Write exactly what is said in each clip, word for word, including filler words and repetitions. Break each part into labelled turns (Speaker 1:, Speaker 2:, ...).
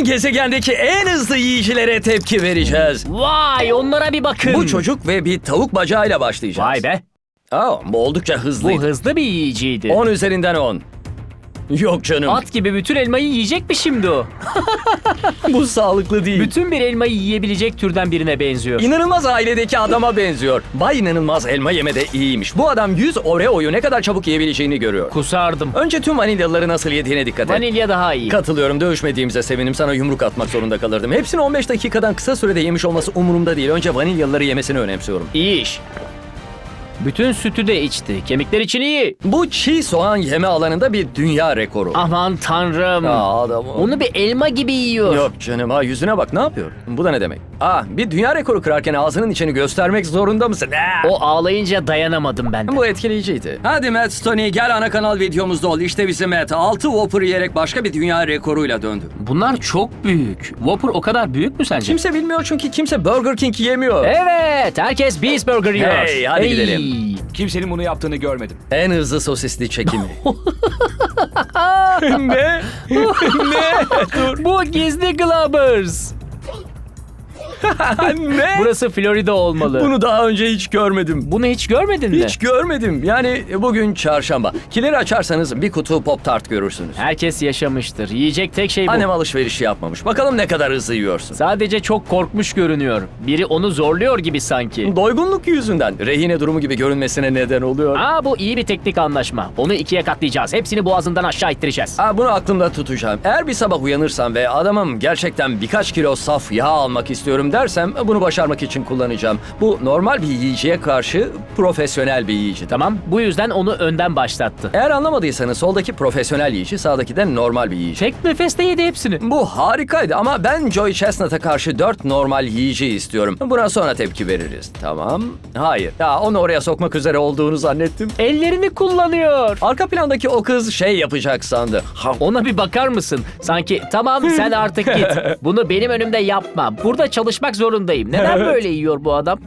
Speaker 1: Bugün gezegendeki en hızlı yiyicilere tepki vereceğiz.
Speaker 2: Vay, onlara bir bakın.
Speaker 1: Bu çocuk ve bir tavuk bacağıyla başlayacağız.
Speaker 2: Vay be.
Speaker 1: Aa, bu oldukça
Speaker 2: Bu
Speaker 1: hızlıydı.
Speaker 2: hızlı bir yiyiciydi.
Speaker 1: on üzerinden on. Yok canım.
Speaker 2: At gibi bütün elmayı yiyecek mi şimdi o?
Speaker 1: Bu sağlıklı değil.
Speaker 2: Bütün bir elmayı yiyebilecek türden birine benziyor.
Speaker 1: İnanılmaz ailedeki adama benziyor. Bay inanılmaz elma yemede iyiymiş. Bu adam yüz Oreo'yu ne kadar çabuk yiyebileceğini görüyor.
Speaker 2: Kusardım.
Speaker 1: Önce tüm vanilyaları nasıl yediğine dikkat et.
Speaker 2: Vanilya daha iyi.
Speaker 1: Katılıyorum. Dövüşmediğimize sevinim. Sana yumruk atmak zorunda kalırdım. Hepsini on beş dakikadan kısa sürede yemiş olması umurumda değil. Önce vanilyaları yemesini önemsiyorum.
Speaker 2: İyi iş. Bütün sütü de içti. Kemikler için iyi.
Speaker 1: Bu çiğ soğan yeme alanında bir dünya rekoru.
Speaker 2: Aman tanrım.
Speaker 1: Aa, adam o-
Speaker 2: Onu bir elma gibi yiyor.
Speaker 1: Yok canım, ha yüzüne bak, ne yapıyor? Bu da ne demek? Aa, bir dünya rekoru kırarken ağzının içini göstermek zorunda mısın? Aa!
Speaker 2: O ağlayınca dayanamadım ben de.
Speaker 1: Bu etkileyiciydi. Hadi Matt Stoney, gel ana kanal videomuzda ol. İşte bizim Matt. altı Whopper yiyerek başka bir dünya rekoruyla döndü.
Speaker 2: Bunlar çok büyük. Whopper o kadar büyük mü sence?
Speaker 1: Kimse bilmiyor çünkü kimse Burger King yemiyor.
Speaker 2: Evet, herkes Beast Burger yiyor.
Speaker 1: Hey, hadi gidelim.
Speaker 3: Kimsenin bunu yaptığını görmedim.
Speaker 1: En hızlı sosisli çekimi. Ne? Ne? Dur.
Speaker 2: Bu gizli Globbers.
Speaker 1: Ne?
Speaker 2: Burası Florida olmalı.
Speaker 1: Bunu daha önce hiç görmedim.
Speaker 2: Bunu hiç görmedin mi?
Speaker 1: Hiç görmedim. Yani bugün çarşamba. Kileri açarsanız bir kutu Pop Tart görürsünüz.
Speaker 2: Herkes yaşamıştır. Yiyecek tek şey bu.
Speaker 1: Annem alışveriş yapmamış. Bakalım ne kadar hızlı yiyorsun.
Speaker 2: Sadece çok korkmuş görünüyor. Biri onu zorluyor gibi sanki.
Speaker 1: Doygunluk yüzünden rehine durumu gibi görünmesine neden oluyor.
Speaker 2: Aa, bu iyi bir teknik anlaşma. Onu ikiye katlayacağız. Hepsini boğazından aşağı ittireceğiz.
Speaker 1: Aa, bunu aklımda tutacağım. Eğer bir sabah uyanırsam ve adamım gerçekten birkaç kilo saf yağ almak istiyorum dersem bunu başarmak için kullanacağım. Bu normal bir yiyiciye karşı profesyonel bir yiyici.
Speaker 2: Tamam, bu yüzden onu önden başlattı.
Speaker 1: Eğer anlamadıysanız soldaki profesyonel yiyici, sağdaki de normal bir yiyici.
Speaker 2: Tek nefeste yedi hepsini.
Speaker 1: Bu harikaydı ama ben Joey Chestnut'a karşı dört normal yiyici istiyorum. Buna sonra tepki veririz. Tamam. Hayır. Ya onu oraya sokmak üzere olduğunu zannettim.
Speaker 2: Ellerini kullanıyor.
Speaker 1: Arka plandaki o kız şey yapacak sandı.
Speaker 2: Ona bir bakar mısın? Sanki tamam sen artık git. Bunu benim önümde yapma. Burada çalışmak zorundayım. Neden böyle yiyor bu adam?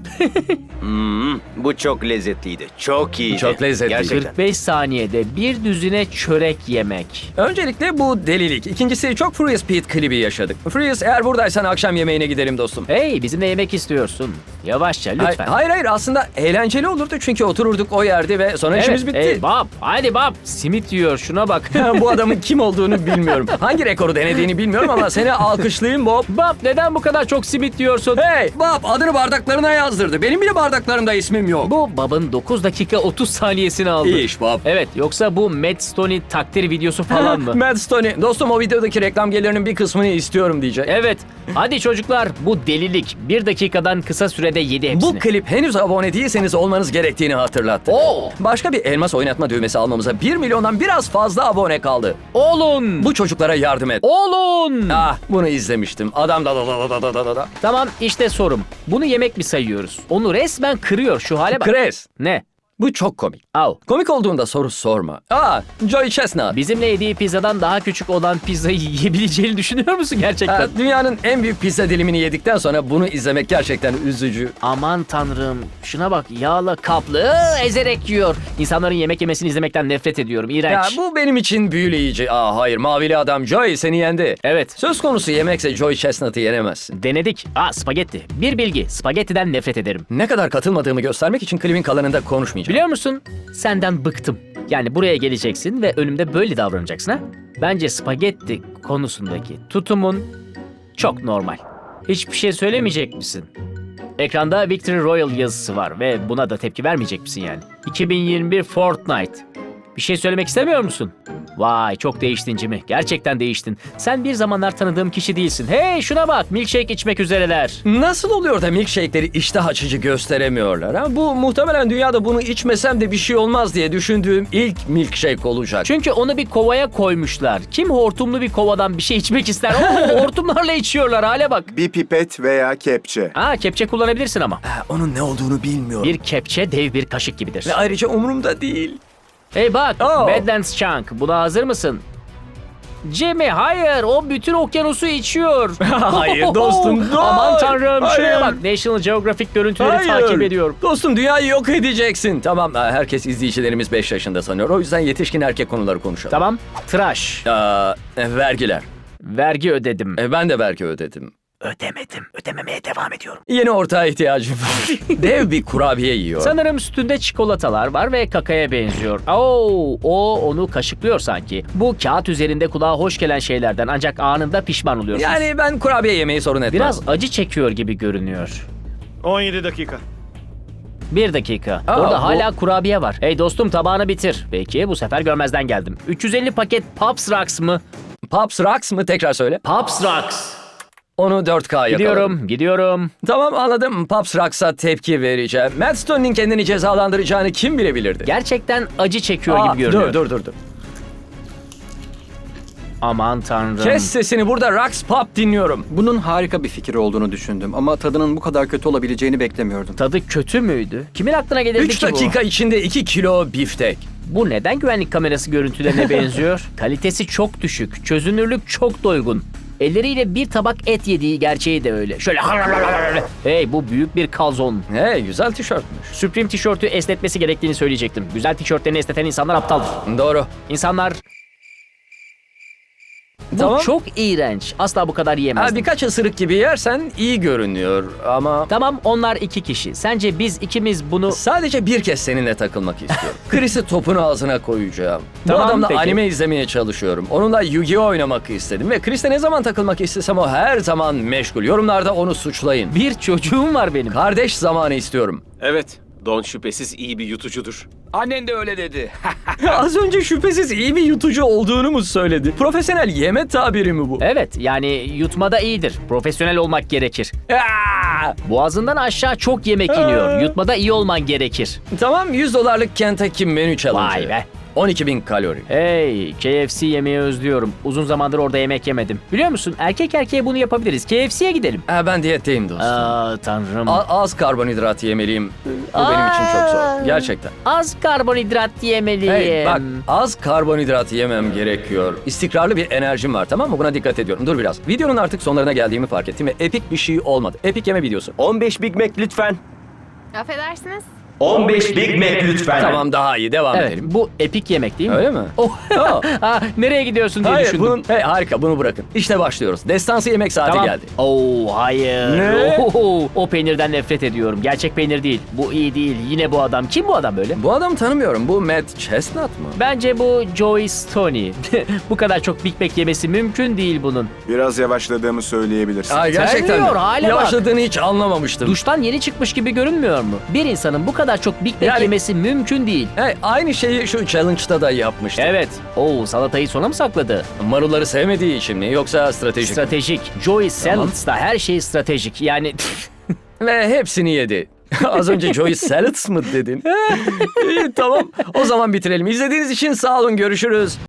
Speaker 4: Bu çok lezzetliydi. Çok iyiydi.
Speaker 1: Çok lezzetliydi.
Speaker 4: Gerçekten.
Speaker 2: kırk beş saniyede bir düzine çörek yemek.
Speaker 1: Öncelikle bu delilik. İkincisi çok Furious Pete klibi yaşadık. Furious, eğer buradaysan akşam yemeğine gidelim dostum.
Speaker 2: Hey, bizimle yemek istiyorsun. Yavaşça
Speaker 1: Hay-
Speaker 2: lütfen.
Speaker 1: Hayır hayır, aslında eğlenceli olurdu çünkü otururduk o yerde ve sonra işimiz bitti.
Speaker 2: Hey Bob, hadi Bob. Simit yiyor, şuna bak.
Speaker 1: Bu adamın kim olduğunu bilmiyorum. Hangi rekoru denediğini bilmiyorum ama seni alkışlayayım Bob.
Speaker 2: Bob, neden bu kadar çok simit yiyorsun?
Speaker 1: Hey Bob, adını bardaklarına yazdırdı. Benim bile bardaklarımda ismim yok.
Speaker 2: Bu Bob'ın dokuz dakika otuz saniyesini aldı.
Speaker 1: İyi iş Bob.
Speaker 2: Evet, yoksa bu Matt Stoney takdir videosu falan mı?
Speaker 1: Matt Stoney, dostum o videodaki reklam gelirinin bir kısmını istiyorum diyecek.
Speaker 2: Evet. Hadi çocuklar, bu delilik. Bir dakikadan kısa sürede yedi hepsini.
Speaker 1: Bu klip henüz abone değilseniz olmanız gerektiğini hatırlattı.
Speaker 2: Oo.
Speaker 1: Başka bir elmas oynatma düğmesi almamıza bir milyondan biraz fazla abone kaldı.
Speaker 2: Olun.
Speaker 1: Bu çocuklara yardım et.
Speaker 2: Olun.
Speaker 1: Ah, bunu izlemiştim. Adam da da da da da da da da.
Speaker 2: Tamam, işte sorum. Bunu yemek mi sayıyoruz? Onu resmen kırıyor, şu hale bak.
Speaker 1: Chris,
Speaker 2: Ne?
Speaker 1: bu çok komik.
Speaker 2: Al.
Speaker 1: Komik olduğunda soru sorma. Aa, Joey Chestnut.
Speaker 2: Bizimle yediği pizzadan daha küçük olan pizzayı yiyebileceğini düşünüyor musun gerçekten?
Speaker 1: Ha, dünyanın en büyük pizza dilimini yedikten sonra bunu izlemek gerçekten üzücü.
Speaker 2: Aman tanrım. Şuna bak, yağla kaplı ıı, ezerek yiyor. İnsanların yemek yemesini izlemekten nefret ediyorum.
Speaker 1: Ya
Speaker 2: İğrenç.
Speaker 1: bu benim için büyüleyici. Aa hayır, mavili adam Joey seni yendi.
Speaker 2: Evet.
Speaker 1: Söz konusu yemekse Joey Chestnut'ı yenemezsin.
Speaker 2: Denedik. Aa, spagetti. Bir bilgi. Spagettiden nefret ederim.
Speaker 1: Ne kadar katılmadığımı göstermek için klibin kalanında konuşmayacağım.
Speaker 2: Biliyor musun? Senden bıktım. Yani buraya geleceksin ve önümde böyle davranacaksın ha? Bence spagetti konusundaki tutumun çok normal. Hiçbir şey söylemeyecek misin? Ekranda Victory Royale yazısı var ve buna da tepki vermeyecek misin yani? iki bin yirmi bir Fortnite. Bir şey söylemek istemiyor musun? Vay, çok değiştin Jimmy. Gerçekten değiştin. Sen bir zamanlar tanıdığım kişi değilsin. Hey, şuna bak, milkshake içmek üzereler.
Speaker 1: Nasıl oluyor da milkshake'leri iştah açıcı gösteremiyorlar? Ha? Bu muhtemelen dünyada bunu içmesem de bir şey olmaz diye düşündüğüm ilk milkshake olacak.
Speaker 2: Çünkü onu bir kovaya koymuşlar. Kim hortumlu bir kovadan bir şey içmek ister? Oo, hortumlarla içiyorlar, hale bak.
Speaker 5: Bir pipet veya kepçe.
Speaker 2: Aa, kepçe kullanabilirsin ama.
Speaker 1: Ha, onun ne olduğunu bilmiyorum.
Speaker 2: Bir kepçe dev bir kaşık gibidir.
Speaker 1: Ve ayrıca umurumda değil.
Speaker 2: Hey bak,
Speaker 1: Oh.
Speaker 2: Badlands Chunk, buna hazır mısın? Jimmy, hayır, o bütün okyanusu içiyor.
Speaker 1: Hayır dostum, dur.
Speaker 2: Aman tanrım, şuraya
Speaker 1: Hayır.
Speaker 2: bak. National Geographic görüntüleri
Speaker 1: Hayır.
Speaker 2: takip ediyorum.
Speaker 1: Dostum, dünyayı yok edeceksin. Tamam, ha, herkes izleyicilerimiz beş yaşında sanıyor. O yüzden yetişkin erkek konuları konuşalım.
Speaker 2: Tamam, tıraş.
Speaker 1: Aa, vergiler.
Speaker 2: Vergi ödedim.
Speaker 1: E, ben de belki ödedim.
Speaker 2: Ödemedim. Ödememeye devam ediyorum.
Speaker 1: Yeni ortağa ihtiyacım var. Dev bir kurabiye yiyor.
Speaker 2: Sanırım üstünde çikolatalar var ve kakaya benziyor. Oo, o onu kaşıklıyor sanki. Bu kağıt üzerinde kulağa hoş gelen şeylerden ancak anında pişman oluyorsunuz.
Speaker 1: Yani ben kurabiye yemeyi sorun etmez.
Speaker 2: Biraz acı çekiyor gibi görünüyor.
Speaker 6: on yedi dakika.
Speaker 2: Bir dakika.
Speaker 1: Aa,
Speaker 2: Orada
Speaker 1: bu-
Speaker 2: hala kurabiye var. Hey dostum tabağını bitir. Peki bu sefer görmezden geldim. üç yüz elli paket Pops Rocks mı?
Speaker 1: Pops Rocks mı? Tekrar söyle.
Speaker 2: Pops Rocks.
Speaker 1: Onu dört K yakaladım.
Speaker 2: Gidiyorum, gidiyorum.
Speaker 1: Tamam anladım. Pops Rocks'a tepki vereceğim. Matt Stone'nin kendini cezalandıracağını kim bilebilirdi?
Speaker 2: Gerçekten acı çekiyor
Speaker 1: Aa,
Speaker 2: gibi görünüyor.
Speaker 1: Dur dur dur dur.
Speaker 2: Aman tanrım.
Speaker 1: Kes sesini, burada Rocks Pop dinliyorum.
Speaker 7: Bunun harika bir fikir olduğunu düşündüm ama tadının bu kadar kötü olabileceğini beklemiyordum.
Speaker 2: Tadı kötü müydü? Kimin aklına gelirdi
Speaker 1: üç
Speaker 2: ki
Speaker 1: dakika içinde iki kilo biftek.
Speaker 2: bu? Bu neden güvenlik kamerası görüntülerine benziyor? Kalitesi çok düşük, çözünürlük çok doygun. Elleriyle bir tabak et yediği gerçeği de öyle. Şöyle hey bu büyük bir kalzon.
Speaker 1: Hey, güzel tişörtmüş.
Speaker 2: Supreme tişörtü esnetmesi gerektiğini söyleyecektim. Güzel tişörtlerini esneten insanlar aptaldır.
Speaker 1: Doğru.
Speaker 2: İnsanlar... Bu
Speaker 1: Tamam.
Speaker 2: çok iğrenç. Asla bu kadar
Speaker 1: Ha,
Speaker 2: yiyemezdim.
Speaker 1: birkaç ısırık gibi yersen iyi görünüyor ama...
Speaker 2: Tamam onlar iki kişi. Sence biz ikimiz bunu...
Speaker 1: Sadece bir kez seninle takılmak istiyorum. Chris'i topun ağzına koyacağım. Bu
Speaker 2: Tamam,
Speaker 1: adamla
Speaker 2: peki.
Speaker 1: anime izlemeye çalışıyorum. Onunla Yu-Gi-Oh oynamak istedim ve Chris'le ne zaman takılmak istesem o her zaman meşgul. Yorumlarda onu suçlayın.
Speaker 2: Bir çocuğum var benim.
Speaker 1: Kardeş zamanı istiyorum.
Speaker 6: Evet, Don şüphesiz iyi bir yutucudur.
Speaker 3: Annen de öyle dedi.
Speaker 1: Az önce şüphesiz iyi bir yutucu olduğunu mu söyledi? Profesyonel yeme tabiri mi bu?
Speaker 2: Evet yani yutmada iyidir. Profesyonel olmak gerekir.
Speaker 1: Aa!
Speaker 2: Boğazından aşağı çok yemek iniyor. Yutmada iyi olman gerekir.
Speaker 1: Tamam, yüz dolarlık Kentucky menü challenge.
Speaker 2: Vay be.
Speaker 1: on iki bin kalori.
Speaker 2: Hey, K F C yemeği özlüyorum. Uzun zamandır orada yemek yemedim. Biliyor musun? Erkek erkeğe bunu yapabiliriz. K F C'ye gidelim.
Speaker 1: Ha, ben diyetteyim dostum.
Speaker 2: Aa tanrım.
Speaker 1: A- az karbonhidrat yemeliyim. Bu benim için çok zor. Gerçekten.
Speaker 2: Az karbonhidrat yemeliyim.
Speaker 1: Hey bak, az karbonhidrat yemem gerekiyor. İstikrarlı bir enerjim var, tamam mı? Buna dikkat ediyorum. Dur biraz. Videonun artık sonlarına geldiğimi fark ettim ve epik bir şey olmadı. Epik yeme videosu.
Speaker 4: on beş Big Mac lütfen.
Speaker 8: Affedersiniz.
Speaker 4: on beş Big Mac lütfen.
Speaker 1: Tamam, daha iyi. Devam
Speaker 2: Evet,
Speaker 1: edelim.
Speaker 2: bu epik yemek değil mi?
Speaker 1: Öyle mi?
Speaker 2: Oh.
Speaker 1: Oh.
Speaker 2: Ha, nereye gidiyorsun diye
Speaker 1: Hayır,
Speaker 2: düşündüm.
Speaker 1: bunun... Hey, harika, bunu bırakın. İşte başlıyoruz. Destansı yemek saati
Speaker 2: Tamam.
Speaker 1: geldi.
Speaker 2: Oo hayır.
Speaker 1: Ne?
Speaker 2: Oho, o peynirden nefret ediyorum. Gerçek peynir değil. Bu iyi değil. Yine bu adam. Kim bu adam böyle?
Speaker 1: Bu adamı tanımıyorum. Bu Matt Chestnut mı?
Speaker 2: Bence bu Joey Stoney. Bu kadar çok Big Mac yemesi mümkün değil bunun.
Speaker 5: Biraz yavaşladığımı söyleyebilirsin.
Speaker 1: Ay, gerçekten
Speaker 2: Terliyor,
Speaker 1: mi?
Speaker 2: hale bak.
Speaker 1: Yavaşladığını hiç anlamamıştım.
Speaker 2: Duştan yeni çıkmış gibi görünmüyor mu? Bir insanın bu kadar çok Big Mac
Speaker 1: Yani-
Speaker 2: yemesi mümkün değil.
Speaker 1: Hey, aynı şeyi şu challenge'da da yapmıştım.
Speaker 2: Evet. Oo salatayı sona mı sakladı?
Speaker 1: Marulları sevmediği için mi yoksa stratejik mi?
Speaker 2: Stratejik. Joey Salads da her şey stratejik. Yani
Speaker 1: Ve hepsini yedi. Az önce Joey Salads mı dedin? İyi, tamam. O zaman bitirelim. İzlediğiniz için sağ olun. Görüşürüz.